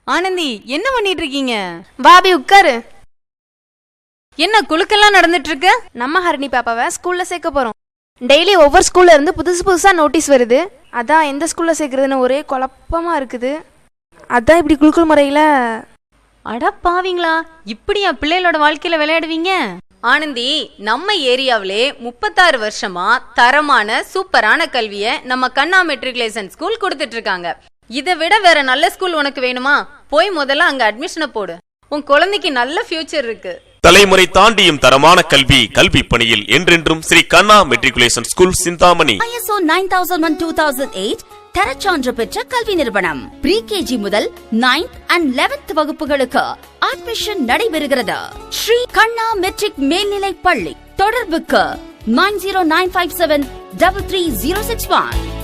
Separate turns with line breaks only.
ஆனந்தி, என்ன பண்ணிட்டு இருக்கீங்க?
பாபி உட்காரு.
என்ன குலுக்கெல்லாம் நடந்துட்டு இருக்கு?
நம்ம ஹரிணி பாப்பாவை ஸ்கூல்ல சேர்க்க போறோம். டெய்லி ஒவ்வொரு ஸ்கூல்ல இருந்து புதுசு புதுசா நோட்டீஸ் வருது. அதான் எந்த ஸ்கூல்ல சேர்க்கறதுன்னு ஒரே குழப்பமா இருக்குது. அதான் இப்படி குலுக்கல் முறையில.
அட பாவீங்களா, இப்படியா பிள்ளைகளோட வாழ்க்கையில விளையாடுவீங்க? ஆனந்தி, நம்ம ஏரியாவிலே 36 வருஷமா தரமான சூப்பரான கல்விய நம்ம கண்ணா மெட்ரிகுலேஷன் ஸ்கூல் கொடுத்துட்டு இருக்காங்க. இதை விட வேற நல்ல ஸ்கூல் உனக்கு வேணுமா? போய் முதல்ல அங்க அட்மிஷனை போடு. உன் குழந்தைக்கு நல்ல ஃபியூச்சர் இருக்கு.
தலைமுறை தாண்டியும் தரமான கல்வி பணியில் என்றென்றும் Sri Kanna matriculation school Chintamani.
ISO 9001-2008 தரச்சான்று பெற்ற கல்வி நிறுவனம். ப்ரீ-கேஜி முதல் 9th and 11th வகுப்புகளுக்கு அட்மிஷன் நடைபெறுகிறது. ஸ்ரீ கண்ணா மெட்ரிக் மேல்நிலை பள்ளி. தொடர்புக்கு 9095733061.